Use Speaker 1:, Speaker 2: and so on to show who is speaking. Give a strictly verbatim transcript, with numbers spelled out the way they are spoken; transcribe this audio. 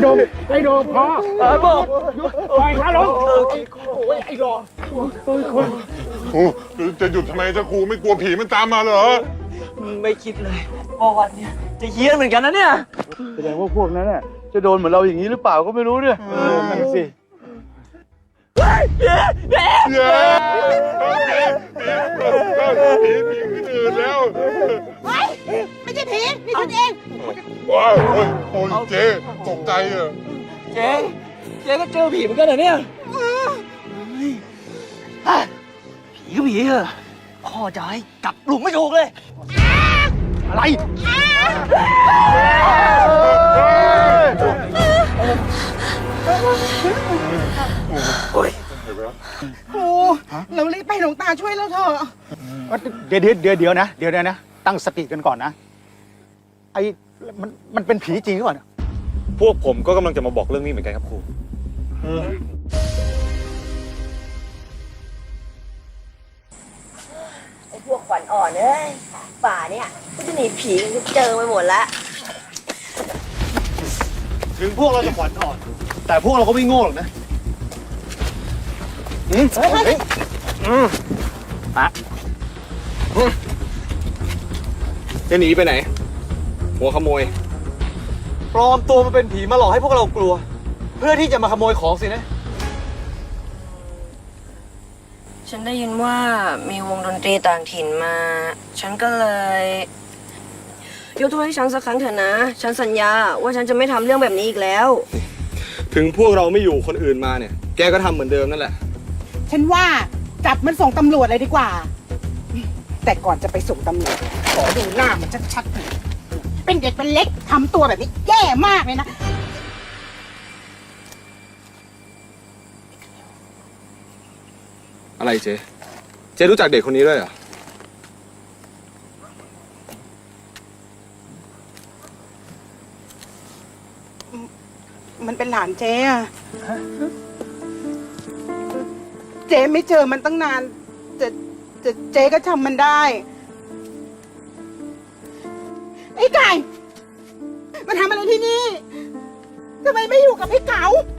Speaker 1: ดงไอ้โดงพอเออบอกปล่อยขาลงโอ้ยไอ้รอ
Speaker 2: ครูจะหยุดทำไมจะครูไม่กลัวผีมันตามมาเหรอ
Speaker 3: ไม่คิดเลยว่าวันนี้จะเฮี้ยนเหมือนกันนะเนี่ย
Speaker 4: แสดงว่าพวกนั้นน่ะจะโดนเหมือนเราอย่างนี้หรือเปล่าก็ไม่รู้เนี่ยนั่นสิ
Speaker 2: เย้เย้ผีผีผีที่อื่นแล้ว
Speaker 5: ไม่ใช่ผีนี่ฉันเอง
Speaker 2: ว้าวโอ้ยโอ้ยเจ๊ตกใจอ่ะ
Speaker 3: เจ๊เจ๊ก็เจอผีเหมือนกันเหรอเนี่ยผีก็ผีเหรอพ่อจะให้กลับหลุมไม่ถูกเลย
Speaker 4: อะไร
Speaker 5: โอ้เรารีบไปหลวงตาช่วยเราเถอะ
Speaker 4: เดี๋ยวเดี๋ยวเดี๋ยวเดี๋ยวนะเดี๋ยวนะตั้งสติกันก่อนนะไอ้มันมันเป็นผีจริงหรือเปล่า
Speaker 6: พวกผมก็กำลังจะมาบอกเรื่องนี้เหมือนกันครับครู
Speaker 7: ไอ้พวกขวัญอ่อนเอ้ยป่าเนี่ยก็จะหนีผีกันเจอไปหมดละ
Speaker 4: ถึงพวกเราจะขวัญอ่อนแต่พวกเราก็ไม่โง่หรอกนะอืมเฮ้ยอืมอ่ะ
Speaker 6: จะหนีไปไหนหัวขโมย
Speaker 3: ปลอมตัวมาเป็นผีมาหลอกให้พวกเรากลัวเพื่อที่จะมาขโมยของสินะ
Speaker 7: ฉันได้ยินว่ามีวงดนตรีต่างถิ่นมา ฉันก็เลยยกโทษให้ฉันสักครั้งเถอะนะ ฉันสัญญาว่าฉันจะไม่ทำเรื่องแบบนี้อีกแล้ว
Speaker 6: ถึงพวกเราไม่อยู่คนอื่นมาเนี่ยแกก็ทำเหมือนเดิมนั่นแหละ
Speaker 5: ฉันว่าจับมันส่งตำรวจเลยดีกว่าแต่ก่อนจะไปส่งตำรวจขอดูหน้ามันชัดๆหน่อยเป็นเด็กเป็นเล็กทำตัวแบบนี้แย่มากเลยนะ
Speaker 6: อะไรเจ๊เจ๊รู้จักเด็กคนนี้ด้วยเหรอ
Speaker 5: มันเป็นหลานเจ๊อะเจ๊ไม่เจอมันตั้งนานจะจะเจ๊ก็จำมันได้ไอ้ไก่มันทำอะไรที่นี่ทำไมไม่อยู่กับไอ้เก๋า